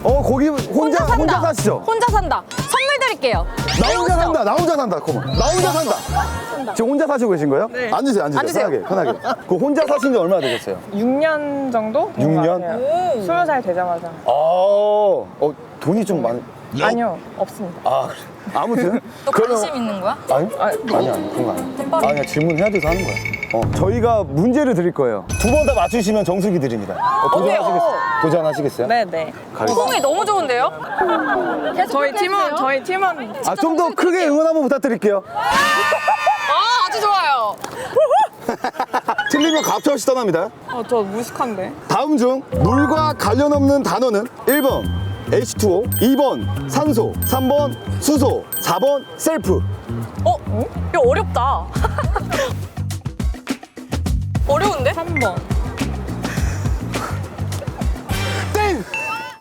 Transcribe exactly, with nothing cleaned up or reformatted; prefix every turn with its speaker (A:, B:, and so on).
A: 어 거기 혼자
B: 혼자 산다.
A: 혼자 사시죠?
B: 혼자 산다. 선물 드릴게요.
A: 나 혼자
B: 배우시죠?
A: 산다. 나 혼자 산다. 고마. 나 혼자 산다. 지금 혼자 사시고 계신 거예요?
C: 네.
A: 앉으세요. 앉으세요.
B: 앉으세요.
A: 편하게. 편하게. 그 혼자 사신 지 얼마나 되셨어요?
C: 육 년 정도?
A: 육 년?
C: 스무 살 되자마자.
A: 아, 어 돈이 좀 많이.
C: 아니요, 없습니다.
A: 아 그래. 아무튼
B: 또 관심 있는 거야?
A: 아니
C: 아,
A: 아니 아니 그런 거 아니야.
B: 대박이네.
A: 아니야 질문해야 돼서 하는 거야. 어 저희가 문제를 드릴 거예요. 두 번 다 맞추시면 정수기 드립니다. 어, 도전하시겠어요? 도전하시겠어요?
C: 네네.
B: 호응이 너무 좋은데요? 계속
C: 저희
B: 그렇게
C: 팀원,
B: 해주세요.
C: 저희 팀원.
A: 아 좀 더 크게 응원 한번 부탁드릴게요.
B: 아, 아주 좋아요.
A: 틀리면 갑자기 떠납니다.
C: 어, 저 무식한데.
A: 다음 중 물과 관련 없는 단어는 일 번 에이치 투 오, 이 번 산소, 삼 번 수소, 사 번 셀프.
B: 어? 이거 어렵다. 어려운데?
C: 삼 번.